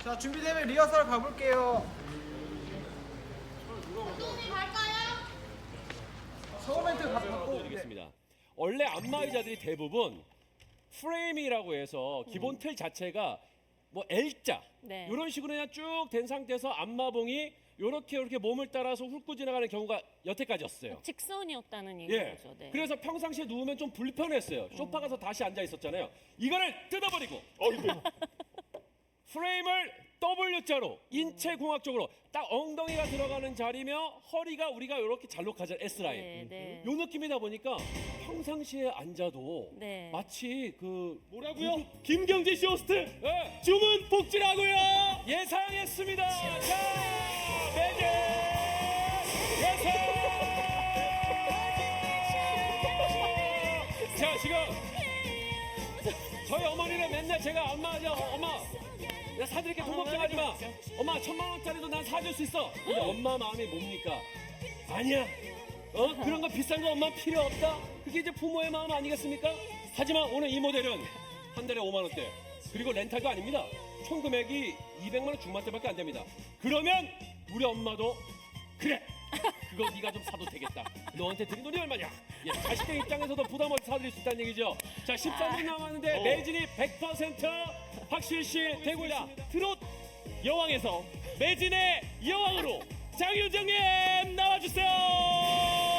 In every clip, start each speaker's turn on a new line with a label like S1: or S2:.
S1: 자, 준비되면 리허설 가볼게요.
S2: 감독님 갈까요?
S1: 서브 멘트 받고.
S3: 드리겠습니다. 원래 안마의자들이 대부분 프레임이라고 해서 기본 틀 자체가 뭐 L자
S4: 네.
S3: 이런 식으로 그냥 쭉 된 상태에서 안마봉이 이렇게 몸을 따라서 훑고 지나가는 경우가 여태까지였어요.
S4: 직선이었다는
S3: 예.
S4: 얘기죠. 네.
S3: 그래서 평상시에 누우면 좀 불편했어요. 소파 가서 다시 앉아 있었잖아요. 이거를 뜯어버리고 프레임을 W자로 인체공학적으로 딱 엉덩이가 들어가는 자리며 허리가 우리가 이렇게 잘록하잖아요. S라인.
S4: 네, 네.
S3: 요 느낌이다 보니까 평상시에 앉아도
S4: 네.
S3: 마치 그
S5: 뭐라고요? 김경재 씨 호스트
S3: 예,
S5: 주문 복지라고요.
S3: 예상했습니다. 자, 매직 예상. 자, 지금 저희 어머니는 맨날 제가 엄마죠, 엄마. 내가 사드릴게 돈 걱정하지 마. 엄마 1,000만 원짜리도 난 사줄 수 있어. 근데 엄마 마음이 뭡니까? 아니야. 그런 거 비싼 거 엄마 필요 없다. 그게 이제 부모의 마음 아니겠습니까? 하지만 오늘 이 모델은 한 달에 5만 원대. 그리고 렌탈도 아닙니다. 총 금액이 200만 원 중반대밖에 안 됩니다. 그러면 우리 엄마도 그래. 그거 네가 좀 사도 되겠다. 너한테 드린 돈이 얼마냐? 예, 자식들 입장에서도 부담 없이 사드릴 수 있다는 얘기죠. 자, 13분 남았는데 매진이 100% 확실시 되고 있습니다.
S5: 트롯 여왕에서 매진의 여왕으로 장윤정님 나와주세요.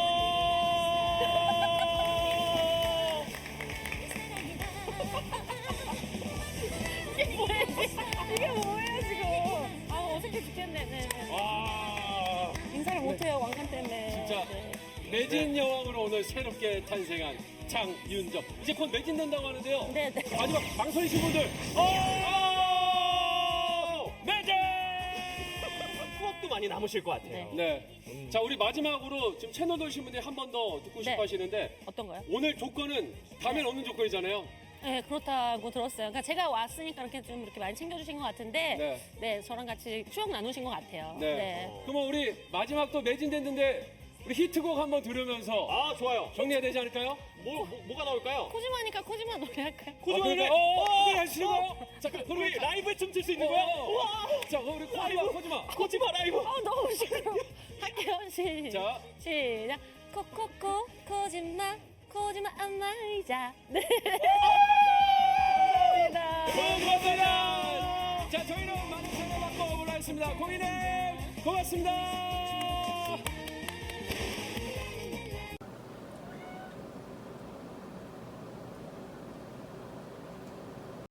S4: 이게 뭐예요 지금? 아 어색해 죽겠네. 네, 네.
S3: 와,
S4: 인사를 못해요 왕관 때문에.
S3: 진짜
S4: 네.
S3: 매진 여왕으로 오늘 새롭게 탄생한 장윤정. 이제 곧 매진된다고 하는데요.
S4: 네, 네.
S3: 마지막 망설이신 분들, 매진!
S5: 추억도 많이 남으실 것 같아요.
S3: 네. 자, 우리 마지막으로 지금 채널 돌신 분들이 한 번 더 듣고 싶어
S4: 네.
S3: 하시는데
S4: 어떤가요?
S3: 오늘 조건은 다음엔 없는 조건이잖아요.
S4: 네 그렇다고 들었어요. 그러니까 제가 왔으니까 이렇게 좀 이렇게 많이 챙겨주신 것 같은데,
S3: 네.
S4: 네, 저랑 같이 추억 나누신 것 같아요.
S3: 네. 그러면 우리 마지막 또 매진됐는데 우리 히트곡 한번 들으면서
S5: 아 좋아요.
S3: 정리해야 되지 않을까요?
S5: 뭐가 나올까요?
S4: 코지마니까 코지마 노래 할까요?
S5: 코지마 노래.
S3: 노래 하시는 거요? 자, 그럼
S5: 우리 라이브에 춤출 수 있는 거야? 우와.
S3: 자, 그럼 우리 코지마.
S5: 코지마 라이브.
S4: 너무 싫어. 할게요.
S3: 자.
S4: 시작. 코코코 코지마 코지마 안마의자. 네. 감사합니다.
S3: 고맙습니다. 자, 저희는 많은 사랑 받고 오므라 했습니다. 고객님, 고맙습니다.